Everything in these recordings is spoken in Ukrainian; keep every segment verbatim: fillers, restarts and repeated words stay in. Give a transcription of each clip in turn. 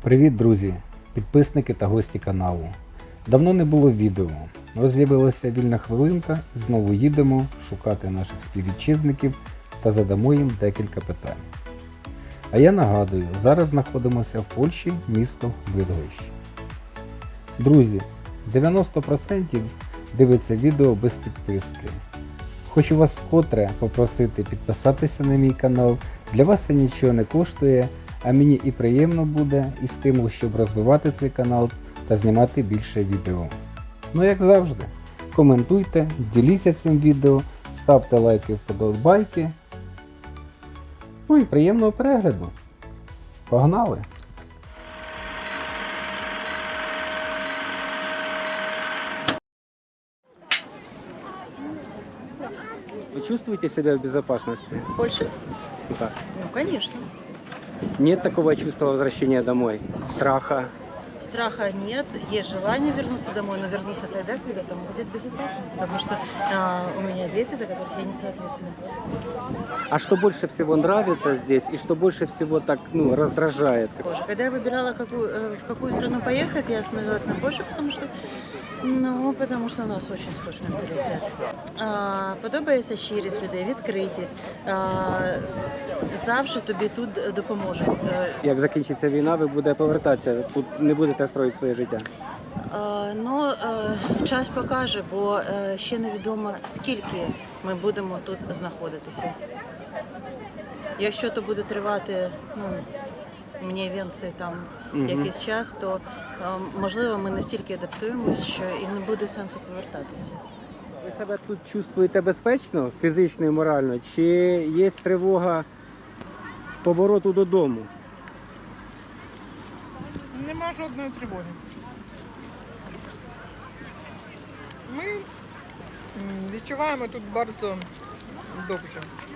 Привіт, друзі, підписники та гості каналу. Давно не було відео, але з'явилася вільна хвилинка, знову їдемо шукати наших співвітчизників та задамо їм декілька питань. А я нагадую, зараз знаходимося в Польщі, місто Бидгощ. Друзі, дев'яносто відсотків дивиться відео без підписки. Хочу вас вкотре попросити підписатися на мій канал, для вас це нічого не коштує, а мені і приємно буде, і стимул, щоб розвивати цей канал та знімати більше відео. Ну як завжди, коментуйте, діліться цим відео, ставте лайки, вподобайки. Ну і приємного перегляду. Погнали! Вы чувствуете себя в безопасности? В Польше? Да. Ну, конечно. Нет такого чувства возвращения домой? Страха? Страха нет, есть желание вернуться домой, но вернуться тогда, когда там будет безопасно, потому что а, у меня дети, за которых я несу ответственность. А что больше всего нравится здесь и что больше всего так, ну, раздражает? Боже, когда я выбирала, какую, э, в какую страну поехать, я остановилась на Польше, потому что, ну, потому что у нас очень схожий менталитет. А, подобається щирість людей, відкритість. А, завжди тобі тут допоможуть. Як закінчиться війна, ви будете повертатися, тут не будете строїти своє життя? Е, Ну, е, час покаже, бо е, ще невідомо, скільки ми будемо тут знаходитися. Якщо то буде тривати, ну, мені венці там Мгм. якийсь час, то е, можливо ми настільки адаптуємось, що і не буде сенсу повертатися. Ви себе тут чувствуєте безпечно, фізично і морально, чи є тривога повороту додому? Нема жодної тривоги. Ми м, відчуваємо тут дуже добре.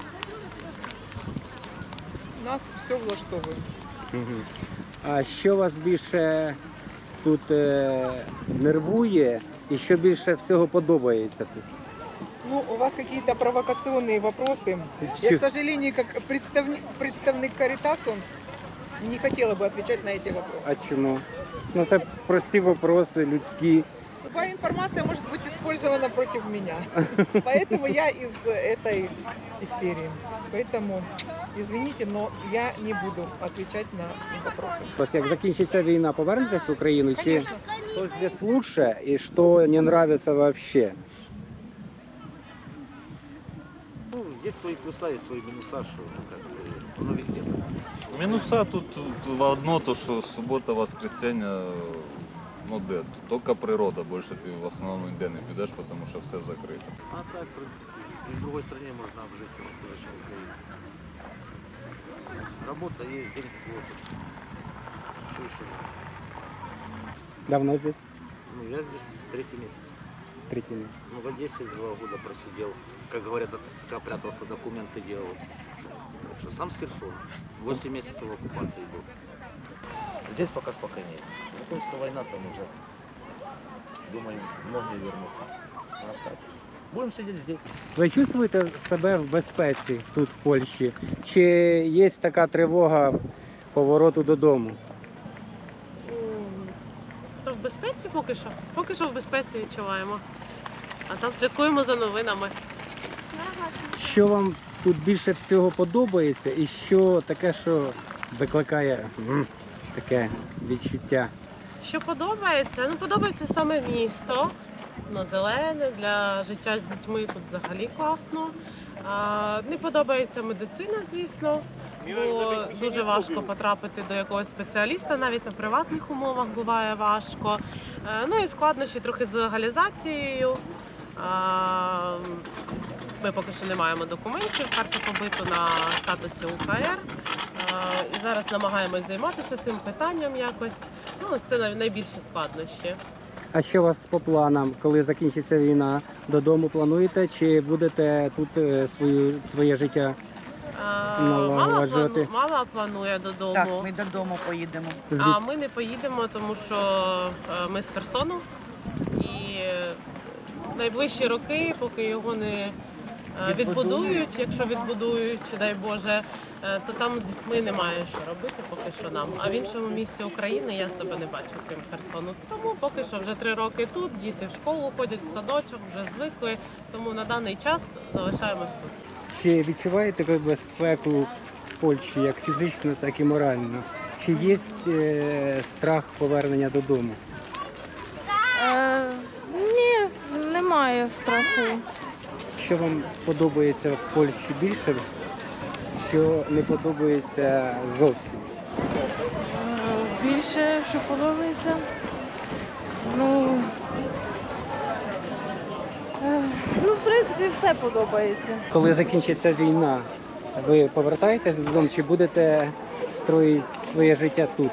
Нас все влаштовує. Мгм. А що вас більше тут е, нервує і що більше всього подобається тут? Ну, у вас какие-то провокационные вопросы. Я, к сожалению, как представник, представник Каритасу, не хотела бы отвечать на эти вопросы. А чому? Ну це прості вопроси, людські. Любая информация может быть использована против меня. Поэтому я из этой серии. Поэтому, извините, но я не буду отвечать на вопросы. Ось як закінчиться війна, повернетесь в Україну? Чи Конечно. що здесь лучше і що не нравится вообще? Ну, есть свои плюса, есть свои минуса, что ну, как бы, оно везде. Минуса тут, тут одно, то что суббота, воскресенье, ну де, только природа, больше ты в основном ніде не підеш, потому что все закрыто. А так, в принципе, и в другой стране можно обжиться, не хуже, чем в Украине. Работа есть, деньги платят. Что еще? Давно здесь? Ну, я здесь третий месяц. Третій місяць. Ну, в Одессе два года просидел. Как говорят, от ТЦК прятался, документы делал. Так что сам с Херсона. восемь месяцев в оккупации был. Здесь пока спокойнее. Закончится война, там уже, думаю, многие вернутся. А так, будем сидеть здесь. Ви чувствуєте себе в безпеці тут, в Польщі? Чи є така тривога повороту додому? То в безпеці поки що. Поки що в безпеці відчуваємо. А там слідкуємо за новинами. Що вам тут більше всього подобається і що таке, що викликає м, таке відчуття? Що подобається? Ну, подобається саме місто. Воно зелене, для життя з дітьми тут взагалі класно. А, не подобається медицина, звісно, бо дуже важко потрапити до якогось спеціаліста, навіть на приватних умовах буває важко. Е, Ну і складнощі трохи з легалізацією. А, Ми поки що не маємо документів, карти побиту на статусі УКР. А, І зараз намагаємось займатися цим питанням якось. Ну, ось це най- найбільші складнощі. А що у вас по планам, коли закінчиться війна? Додому плануєте чи будете тут е, свою, своє життя? А, Налагоджувати. Мама, плану, мама планує додому, Так, ми додому поїдемо. а ми не поїдемо, тому що е, ми з Херсону. І е, найближчі роки, поки його не Е, Відбудують, якщо відбудують, дай Боже, е, то там з дітьми немає що робити поки що нам. А в іншому місті України я себе не бачу, крім Херсону. Тому поки що вже три роки тут, діти в школу ходять, в садочок, вже звикли. Тому на даний час залишаємось тут. Чи відчуваєте ви безпеку в Польщі як фізично, так і морально? Чи є е, страх повернення додому? Е, ні, немає страху. Що вам подобається в Польщі більше, що не подобається зовсім? Е, більше, що подобається. Ну, е, ну, в принципі, все подобається. Коли закінчиться війна, ви повертаєтесь додому чи будете строїти своє життя тут?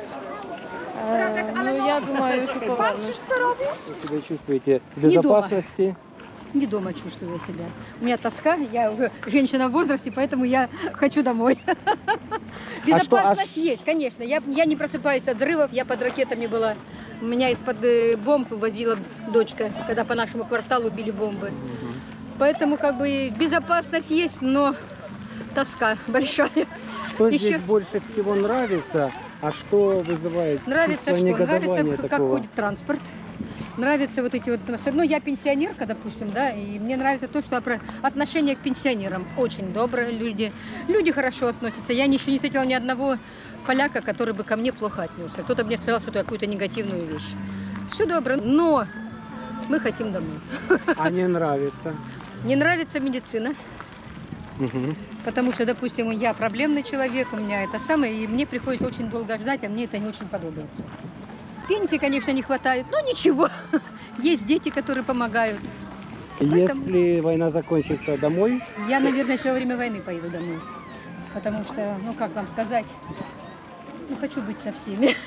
Е, ну, я думаю, що повернусь. Ви себе чувствуєте в Не дома. безпечності? Не дома чувствую себя. У меня тоска, я уже женщина в возрасте, поэтому я хочу домой. Безопасность есть, конечно. Я, я не просыпаюсь от взрывов, я под ракетами была. У меня из-под э, бомб возила дочка, когда по нашему кварталу били бомбы. Поэтому как бы безопасность есть, но тоска большая. Что Еще- здесь больше всего нравится, а что вызывает Нравится чувство что? Нравится, негодования как такого? ходит транспорт. Нравится вот эти вот... Ну, я пенсионерка, допустим, да, и мне нравится то, что опро- отношение к пенсионерам очень добрые люди. Люди хорошо относятся. Я еще не встретила ни одного поляка, который бы ко мне плохо отнесся. Кто-то мне сказал что-то, какую-то негативную вещь. Все добро, но мы хотим домой. А не нравится? Не нравится медицина, Мгм. потому что, допустим, я проблемный человек, у меня это самое, и мне приходится очень долго ждать, а мне это не очень подобается. Пенсии, конечно, не хватает, но ничего. Есть дети, которые помогают. Если война закончится, домой? Я, наверное, еще во время войны поеду домой. Потому что, ну как вам сказать, ну хочу быть со всеми.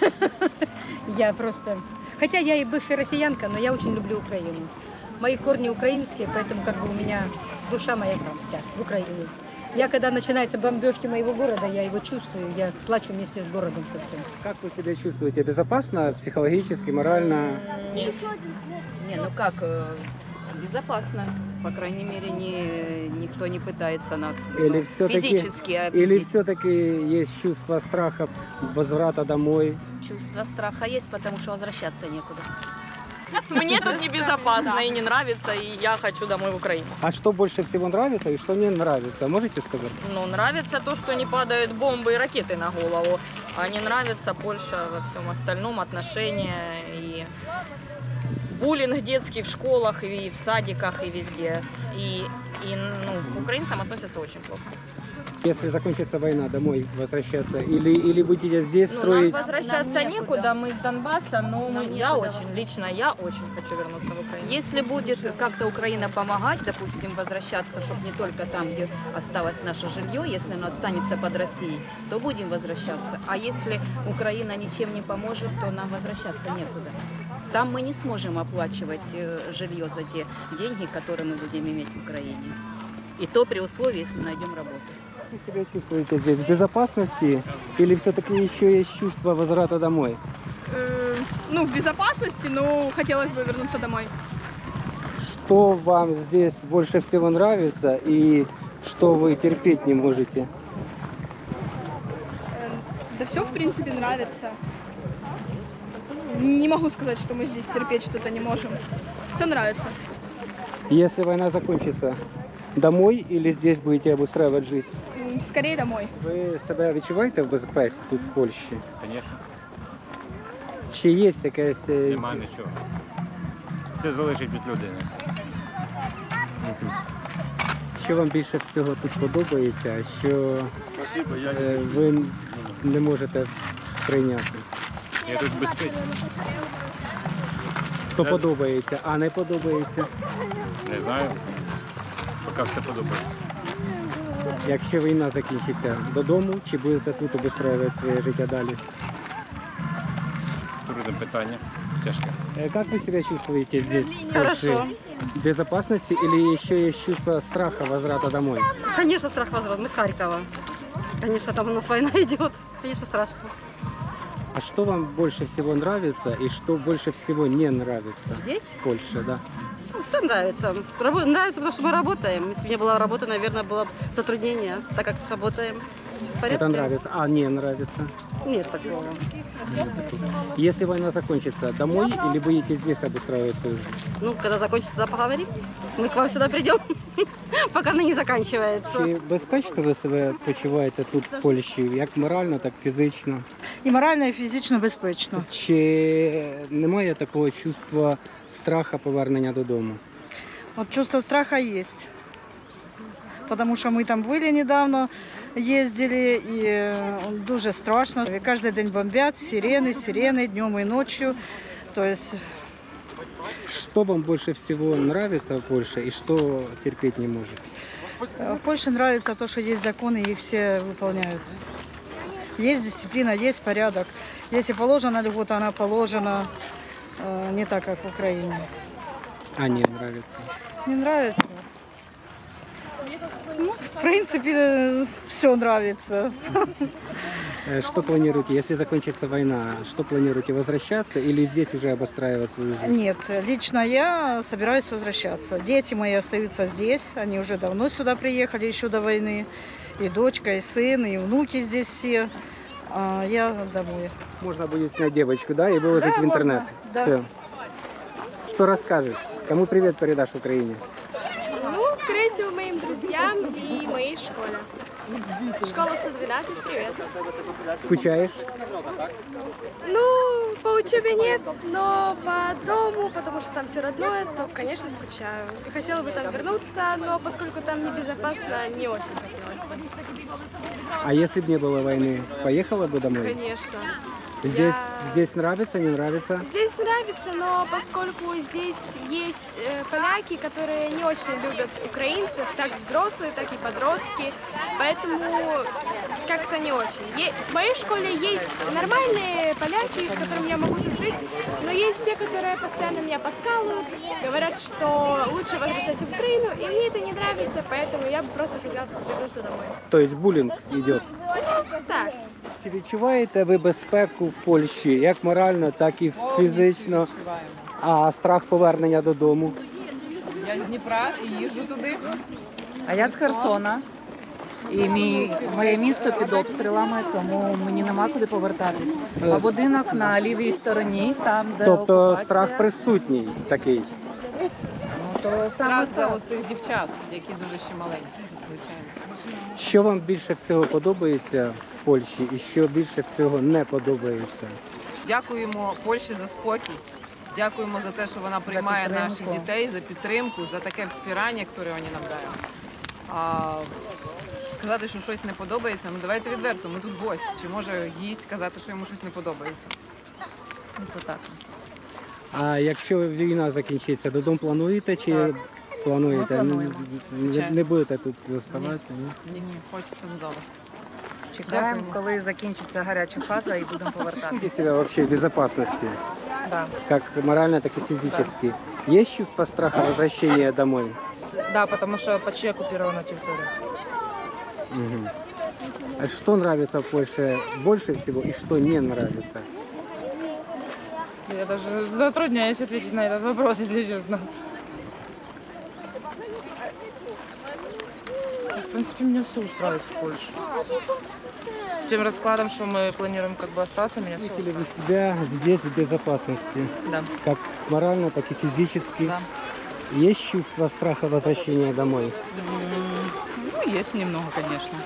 Я просто... Хотя я и бывшая россиянка, но я очень люблю Украину. Мои корни украинские, поэтому как бы у меня душа моя там вся, в Украине. Я, когда начинаются бомбежки моего города, я его чувствую, я плачу вместе с городом совсем. Как вы себя чувствуете? Безопасно, психологически, морально? Не, ну как, э, безопасно. По крайней мере, не, никто не пытается нас Или ну, всё-таки- физически Или обидеть. все-таки есть чувство страха, возврата домой? Чувство страха есть, потому что возвращаться некуда. Мне тут небезопасно и не нравится, и я хочу домой в Украину. А что больше всего нравится и что не нравится? Можете сказать? Ну, нравится то, что не падают бомбы и ракеты на голову, а не нравится Польша во всем остальном, отношения и буллинг детский в школах, и в садиках, и везде. И, и ну, к украинцам относятся очень плохо. Если закончится война, домой возвращаться? Или, или будете здесь Ну, строить? нам возвращаться Нам некуда. некуда, мы из Донбасса, но Нам мы- я некуда очень, лично я очень хочу вернуться в Украину. Если будет как-то Украина помогать, допустим, возвращаться, чтобы не только там, где осталось наше жилье, если оно останется под Россией, то будем возвращаться. А если Украина ничем не поможет, то нам возвращаться некуда. Там мы не сможем оплачивать э, жилье за те деньги, которые мы будем иметь в Украине. И то при условии, если найдем работу. Вы себя чувствуете здесь в безопасности? Или все-таки еще есть чувство возврата домой? Ну, в безопасности, но хотелось бы вернуться домой. Что вам здесь больше всего нравится и что вы терпеть не можете? Да все, в принципе, нравится. Не могу сказать, что мы здесь терпеть что-то не можем. Все нравится. Если война закончится, домой или здесь будете обустраивать жизнь? М, Скорее домой. Ви себе відчуваєте в безпеці тут в Польщі? Звісно, Чи є якесь... е, нема нічого. Це залежить від людини. все. Мгм. Що вам більше всього тут подобається, а що е, ви не можете прийняти? Я тут в безпеці. Що Е. подобається, а не подобається? Не знаю. Поки все подобається. Якщо війна закінчиться, додому, чи будете тут обустраювати своє життя далі? Трудне питання. Тяжке. Э, Как вы себя чувствуете здесь? в Хорошо. Польше? В безопасности или еще есть чувство страха возврата домой? Конечно, страх возврат. Мы с Харькова. Конечно, там у нас война идет. Конечно, страшно. А что вам больше всего нравится и что больше всего не нравится Здесь? в Польше, да? Ну, все нравится. Рабо- нравится, потому что мы работаем. Если бы не было работы, наверное, было бы затруднение, так как работаем. Всё в порядке? Это нравится, а не нравится? Нет такого. Если война закончится, домой или будете здесь обустраивать свою жизнь? Ну, когда закончится, тогда поговорим. Мы к вам сюда придем, пока она не заканчивается. Чи безпечно ви себе почуваєте тут, в Польщі, як морально, так і фізично? І морально, і фізично безпечно. Чи немає такого чувства страха повернення додому? От чувство страха есть. Потому що ми там були недавно, їздили, і е, дуже страшно. І кожен день бомбять, сирени, сирени, днем і ночью. То есть Что вам больше всего нравится в Польше и что терпеть не можете? э, в Польше нравится то, что есть законы, и их все выполняют. Есть дисциплина, есть порядок. Если положена льгота, она положена, э, не так, как в Украине. А не нравится? Не нравится? Ну, в принципе, все нравится. Э, Что планируете, если закончится война, что планируете, возвращаться или здесь уже обустраивать свою жизнь? Нет, лично я собираюсь возвращаться. Дети мои остаются здесь, они уже давно сюда приехали, еще до войны. И дочка, и сын, и внуки здесь все. А я домой. Можно будет снять девочку, да, и выложить Да, в интернет. можно, да. Все. Что расскажешь? Кому привет передашь в Украине? Ну, скорее всего, моим друзьям и моей школе. Школа сто двенадцать, привет. Скучаешь? Ну, по учебе нет, но по дому, потому что там все родное, то, конечно, скучаю. И хотела бы там вернуться, но поскольку там небезопасно, не очень хотелось бы. А если бы не было войны, поехала бы домой? Конечно. Здесь, Я- здесь нравится, не нравится? Здесь нравится, но поскольку здесь есть э, поляки, которые не очень любят украинцев, так взрослые, так и подростки, поэтому как-то не очень. Е- в моей школе есть нормальные поляки, с которыми я могу дружить, но есть те, которые постоянно меня подкалывают, говорят, что лучше возвращаться в Украину, и мне это не нравится, поэтому я бы просто хотела вернуться домой. То есть буллинг идет? Так. Чи відчуваєте ви безпеку в Польщі, як морально, так і фізично? А страх повернення додому? Я з Дніпра і їжджу туди. А я з Херсона. І мій, моє місто під обстрілами, тому мені нема куди повертатись. А будинок на лівій стороні, там, де Тобто окупація. страх присутній такий? Ну, то саме Страх за так. оцих дівчат, які дуже ще маленькі, звичайно. Що вам більше всього подобається в Польщі і що більше всього не подобається? Дякуємо Польщі за спокій. Дякуємо за те, що вона приймає наших підтримку. дітей, за підтримку, за таке вспирання, яке вони нам дають. А сказати, що щось не подобається, ну давайте відверто, ми тут гості. Чи може гість казати, що йому щось не подобається? Ну, то так. А якщо війна закінчиться, додому плануєте чи Так. плануєте? Ми плануємо. Не, Звичайно. не будете тут залишатися? Ні? Ні, ні, хочеться додому. Чекаємо, Дякуємо. коли закінчиться гаряча фаза і будемо повертатися. Чувствуете себя вообще в безопасности? Да. Как морально, так и физически. Есть чувство страха возвращения домой? Да, потому что почти оккупирована территория. Мгм. А что нравится в Польше больше всего и что не нравится? Я даже затрудняюсь ответить на этот вопрос, если честно. В принципе, меня все устраивает в Польше. С тем раскладом, что мы планируем как бы остаться, меня все Чувствуете ли устраивает. вы себя здесь в безопасности? Да. Как морально, так и физически? Да. Есть чувство страха возвращения домой? М, Ну, есть немного, конечно.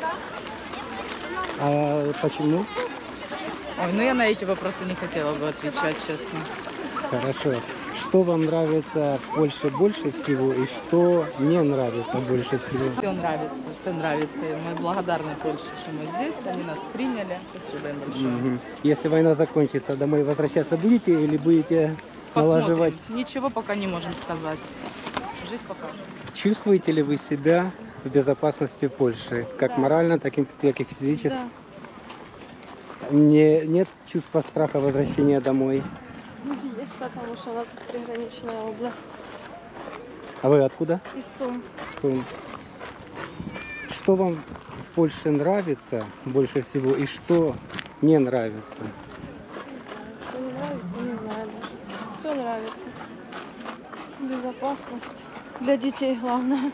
А почему? Ой, ну я на эти вопросы не хотела бы отвечать, честно. Хорошо. Что вам нравится в Польше больше всего и что не нравится больше всего? Все нравится, все нравится. И мы благодарны Польше, что мы здесь, они нас приняли. Спасибо им большое. Мгм. Если война закончится, домой возвращаться будете или будете Посмотрим. налаживать? Ничего пока не можем сказать. Жизнь покажет. Чувствуете ли вы себя в безопасности в Польше? Как морально, так и, так и физически? Не, нет чувства страха возвращения домой? Есть, потому что у нас приграничная область. А вы откуда? Из Сум. Сум. Что вам в Польше нравится больше всего и что Не нравится. Что не нравится, не знаю даже. Все нравится. Безопасность для детей главное.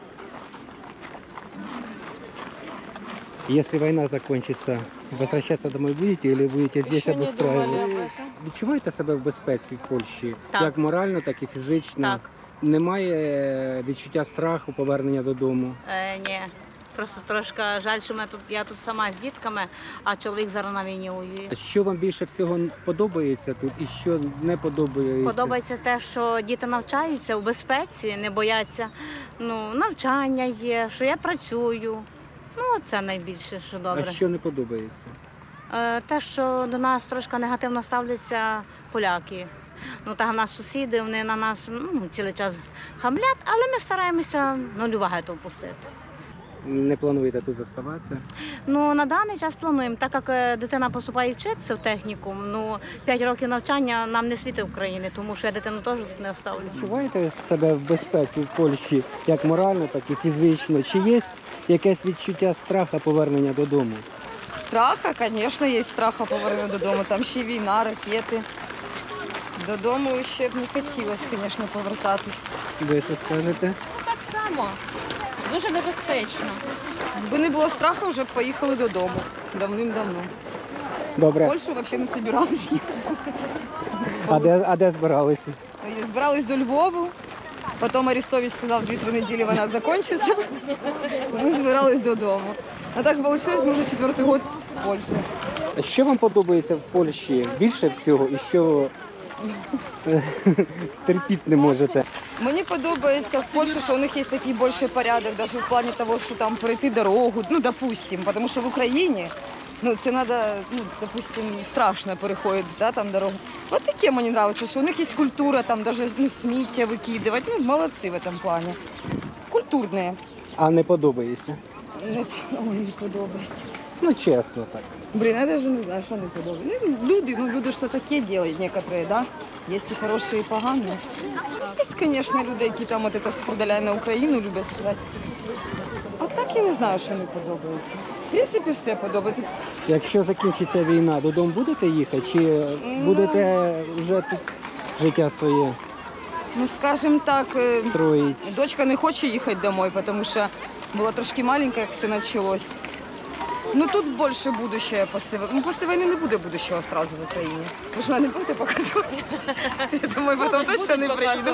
Если война закончится, возвращаться домой будете или будете здесь Еще не думали об обустраивать? этом. Відчуваєте себе в безпеці в Польщі? Так. Як морально, так і фізично? Так. Немає відчуття страху, повернення додому? Е, ні. Просто трошки жаль, що ми тут, я тут сама з дітками, а чоловік зараз на війні воює. Що вам більше всього подобається тут і що не подобається? Подобається те, що діти навчаються в безпеці, не бояться. Ну, навчання є, що я працюю. Ну, це найбільше, що добре. А що не подобається? Е, Те, що до нас трошки негативно ставляться поляки. Ну, так, в нас сусіди, вони на нас ну, цілий час хамлять, але ми стараємося нуль уваги то впустити. Не плануєте тут заставатися? Ну, на даний час плануємо, так як е, дитина поступає вчитися в технікум, ну, п'ять років навчання нам не світить в Україні, тому що я дитину теж тут не оставлю. Відчуваєте себе в безпеці в Польщі як морально, так і фізично? Чи є якесь відчуття страху повернення додому? Страха, звісно, є страха повернення додому. Там ще й війна, ракети. Додому ще б не хотілося, звісно, повертатись. Ви що скажете? Так само. Дуже небезпечно. Якби не було страху, вже б поїхали додому. Давним-давно. В Добре. Польщу взагалі не збиралися їхати. А де, а де збиралися? Збирались до Львову, потім Арестович сказав, дві-три неділі вона закінчиться. Ми збирались додому. А так вийшло, ми вже четвертий год в Польщі. Що вам подобається в Польщі більше всього і що е, терпіти не можете? Мені подобається в Польщі, що у них є такий більший порядок, навіть в плані того, що там перейти дорогу, ну, допустим, тому що в Україні, ну, це треба, ну, допустим, страшно переходити, да, там дорогу. От таке мені подобається, що у них є культура, там навіть, ну, сміття викидувати, ну, молодці в цьому плані. Культурні. А не подобається? Не, ой, не подобається. Ну, чесно так. Блін, я навіть не знаю, що не подобається. Ну, люди, ну, люди що таке роблять, некоторые, да? Є і хороші, і погані. Є, звісно, люди, які там от це спродаляють на Україну, люблять сказати. А так я не знаю, що не подобається. В принципі, все подобається. Якщо закінчиться війна, додому будете їхати чи будете вже тут життя своє Ну, скажімо так, е, строїть? дочка не хоче їхати домой, тому що була трошки маленька, як все почалось. Ну тут більше будущее після війни. Ну, після війни не буде будущого одразу в Україні. Ви ж мене не будете показувати? Я думаю, потім точно не приїду.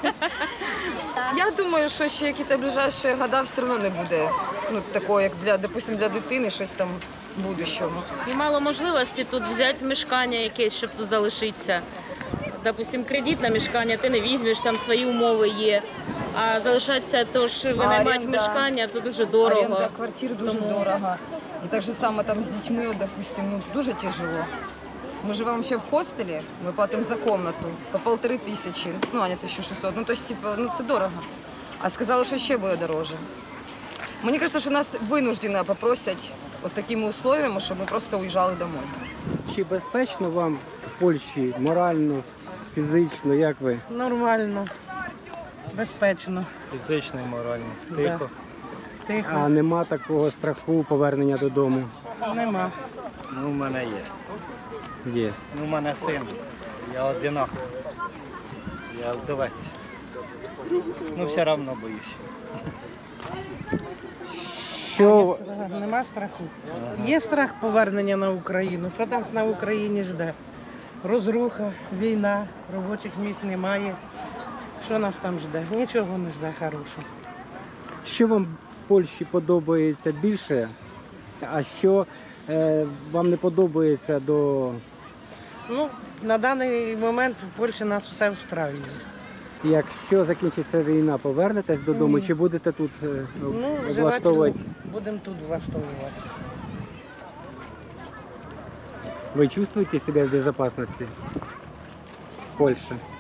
Я думаю, що ще якісь ближайші роки все одно не буде. Ну, такого, як для, допустим, для дитини, щось там будущого. І мало можливості тут взяти мешкання якесь, щоб тут залишитися. Допустим, кредит на мешкання ти не візьмеш, там свої умови є. А залишатися, то ж винаймати мешкання, то дуже дорого. Оренда квартир дуже Тому- дорого. І так же само там з дітьми, от, допустим, ну, дуже тяжело. Ми живемо ще в хостелі, ми платимо за комнату по полтори тисячі, ну, а не тисячу шістсот. Ну, тобто, типу, ну, це дорого. А сказали, що ще буде дороже. Мені кажется, що нас винуждено попросять от такими условиями, щоб ми просто уїжджали домой. Чи безпечно вам в Польщі морально, фізично, як ви? Нормально, безпечно. Фізично і морально. Да. Тихо. Тихо. А нема такого страху повернення додому? Нема. Ну, в мене є. Є. Ну, в мене син. Я одинак. Я вдовець. Ну, все одно боюсь. Що Нема страху. Є страх повернення на Україну. Що там на Україні жде? Розруха, війна, робочих місць немає. Що нас там жде? Нічого не жде хорошого. Що вам в Польщі подобається більше, а що е, вам не подобається до Ну, на даний момент в Польщі нас все встраює. якщо закінчиться війна, повернетесь додому Ні. чи будете тут е, Ну, влаштовувати? желательно будемо тут влаштовувати. Ви чувствуєте себе в безопасности в Польщі?